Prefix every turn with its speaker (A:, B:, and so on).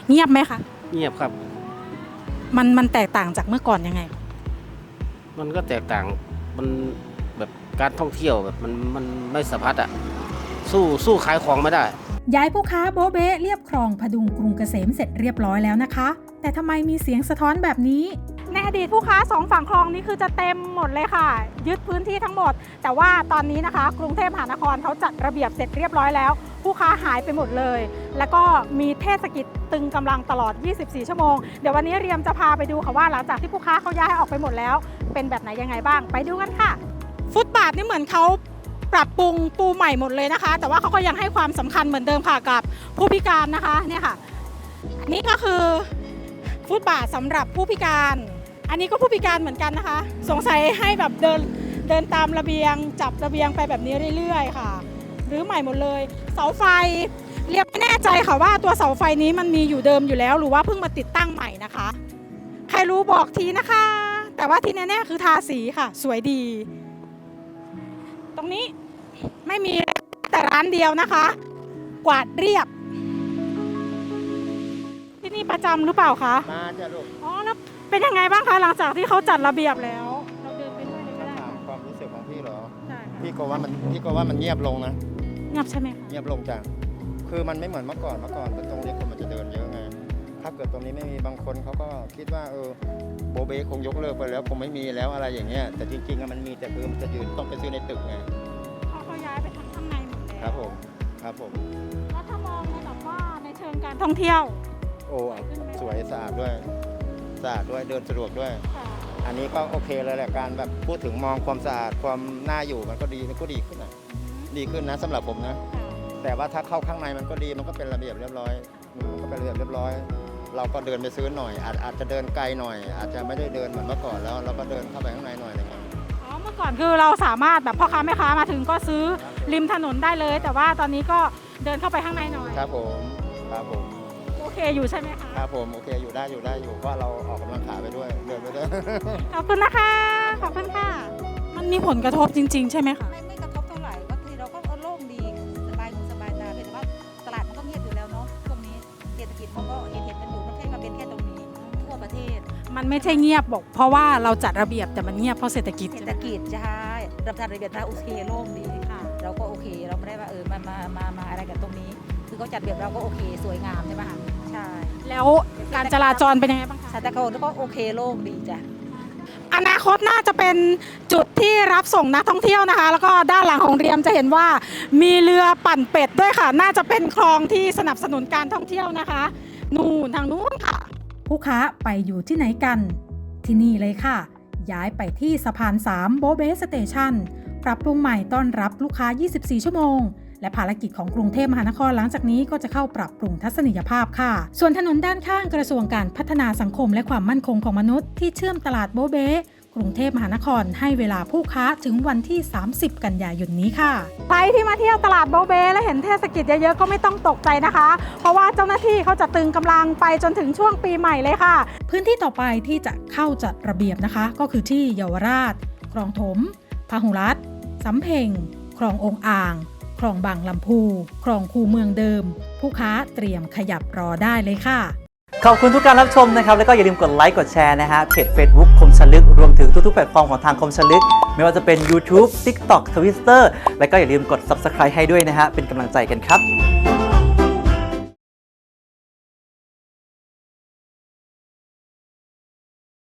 A: เงียบไหมคะ
B: เงียบครับ
A: มันแตกต่างจากเมื่อก่อนยังไง
B: มันก็แตกต่างมันแบบการท่องเที่ยวแบบมันไม่สะพัดอ่ะสู้ขายของไม่ได้
C: ย้ายผู้ค้าโบเบ้เรียบคลองพดุงกรุงเกษมเสร็จเรียบร้อยแล้วนะคะแต่ทำไมมีเสียงสะท้อนแบบนี้
A: ในอดีตผู้ค้า2ฝั่งคลองนี้คือจะเต็มหมดเลยค่ะยึดพื้นที่ทั้งหมดแต่ว่าตอนนี้นะคะกรุงเทพมหานครเขาจัดระเบียบเสร็จเรียบร้อยแล้วผู้ค้าหายไปหมดเลยแล้วก็มีเทศกิจตึงกำลังตลอด24ชั่วโมงเดี๋ยววันนี้เรียมจะพาไปดูค่ะว่าหลังจากที่ผู้ค้าเขาย้ายออกไปหมดแล้วเป็นแบบไหนยังไงบ้างไปดูกันค่ะฟุตบาทนี่เหมือนเขาปรับปรุงปูใหม่หมดเลยนะคะแต่ว่าเขาก็ยังให้ความสำคัญเหมือนเดิมค่ะกับผู้พิการนะคะเนี่ยค่ะอันนี้ก็คือฟุตบาทสำหรับผู้พิการอันนี้ก็ผู้พิการเหมือนกันนะคะสงสัยให้แบบเดินตามระเบียงจับระเบียงไปแบบนี้เรื่อยๆค่ะหรือใหม่หมดเลยเสาไฟเรียบไม่แน่ใจค่ะว่าตัวเสาไฟนี้มันมีอยู่เดิมอยู่แล้วหรือว่าเพิ่งมาติดตั้งใหม่นะคะใครรู้บอกทีนะคะแต่ว่าที่แน่ๆคือทาสีค่ะสวยดีตรงนี้ไม่มีแต่ร้านเดียวนะคะกวาดเรียบที่นี่ประจำหรือเปล่าคะ
D: มาจ้ะลูก
A: อ๋อแล้วเป็นยังไงบ้างคะหลังจากที่เขาจัดระเบียบแล้วเราเดินไปด้วยเลยก็ได้
D: ถามความรู้สึกของพี่เหรอ
A: ใช่
D: พี่ก็ว่ามันเงียบลงนะ
A: เงียบใช่ไหมคะ
D: เงียบลงจ้ะคือมันไม่เหมือนเมื่อก่อนตรงนี้คนมันจะเดินเยอะไงถ้าเกิดตรงนี้ไม่มีบางคนเขาก็คิดว่าโบเบ้คงยกเลิกไปแล้วคงไม่มีแล้วอะไรอย่างเงี้ยแต่จริงๆมันมีแต่คือมันจะยืนต้องไปซื้อในตึกไง
A: เขาย้ายไปข้างในหมดแล้ว
D: ครับผม
A: แล้วถ้ามองในแบบว่าในเชิงการท่องเที่ยว
D: โอ้สวยสะอาดด้วยเดินสะดวกด้วยอันนี้ก็โอเคเลยแหละการแบบพูดถึงมองความสะอาดความน่าอยู่มันก็ดีขึ้นนะดีขึ้นนะสำหรับผมนะแต่ว่าถ้าเข้าข้างในมันก็ดีมันก็เป็นระเบียบเรียบร้อยเราก็เดินไปซื้อหน่อยอาจจะเดินไกลหน่อยอาจจะไม่ได้เดินเหมือนเมื่อก่อนแล้วเราก็เดินเข้าไปข้างในหน่อยอะไรเงี้ย
A: เมื่อก่อนคือเราสามารถแบบพ่อค้าแม่ค้ามาถึงก็ซื้อริมถนนได้เลยแต่ว่าตอนนี้ก็เดินเข้าไปข้างในหน่อย
D: ครับผม
A: โอเคอยู่ใช่ไหมคะ
D: ครับผมโอเคอยู่ได้เพราะเราออกกำลังขาไปด้วยเดินไปด้วย
A: ขอบคุณนะคะขอบคุณค่ะมันมีผลกระทบจริงๆใช่ไหมคะ
E: ไม่กระทบเท่าไหร่ก็คือเราก็โล่งดีสบายหูสบายตาแต่ว่าตลาดมันก็เงียบอยู่แล้วเนาะช่วงนี้เศรษฐกิจมันก็เห็นกันอยู่ไม่ใช่มาเป็นแค่ตรงนี้ทั่วประเทศ
A: มันไม่ใช่เงียบบอกเพราะว่าเราจัดระเบียบแต่มันเงียบเพราะเศรษฐกิจ
E: ใช่รับจัดระเบียบโอเคโล่งดีค่ะเราก็โอเคเราไม่ได้ว่ามาอะไรกันตรงนี้คือเขาจัดระเบียบเราก็โอเคสวยงามใช่ไหมคะใช่
A: แล้วการจราจรเป็นยังไงบ้างคะ
E: สถานการณ์ก็โอเคโล่งดีจ้ะ
A: อนาคตน่าจะเป็นจุดที่รับส่งนักท่องเที่ยวนะคะแล้วก็ด้านหลังของเรียมจะเห็นว่ามีเรือปั่นเป็ดด้วยค่ะน่าจะเป็นคลองที่สนับสนุนการท่องเที่ยวนะคะนู่นทางนู้นค่ะ
C: ผู้ค้าไปอยู่ที่ไหนกันที่นี่เลยค่ะย้ายไปที่สะพาน3โบเบ้สเตชันปรับปรุงใหม่ต้อนรับลูกค้า24ชั่วโมงและภารกิจของกรุงเทพมหานครหลังจากนี้ก็จะเข้าปรับปรุงทัศนียภาพค่ะส่วนถนนด้านข้างกระทรวงการพัฒนาสังคมและความมั่นคงของมนุษย์ที่เชื่อมตลาดโบเบ้กรุงเทพมหานครให้เวลาผู้ค้าถึงวันที่30กันยายนนี้ค่ะ
A: ใครที่มาเที่ยวตลาดโบเบ้และเห็นเทศกิจเยอะๆก็ไม่ต้องตกใจนะคะเพราะว่าเจ้าหน้าที่เขาจะตึงกำลังไปจนถึงช่วงปีใหม่เลยค่ะ
C: พื้นที่ต่อไปที่จะเข้าจัดระเบียบนะคะก็คือที่เยาวราชคลองถมพหุรัตน์สำเพ็งคลององอ่างคลองบางลำพูคลองคูเมืองเดิมผู้ค้าเตรียมขยับรอได้เลยค่ะ
F: ขอบคุณทุกการรับชมนะครับแล้วก็อย่าลืมกดไลค์กดแชร์นะฮะเพจ Facebook คมชลึกรวมถึงทุกๆแพลตฟอร์มของทางคมชลึกไม่ว่าจะเป็น YouTube TikTok Twitter แล้วก็อย่าลืมกด Subscribe ให้ด้วยนะฮะเป็นกำลังใจกันครับ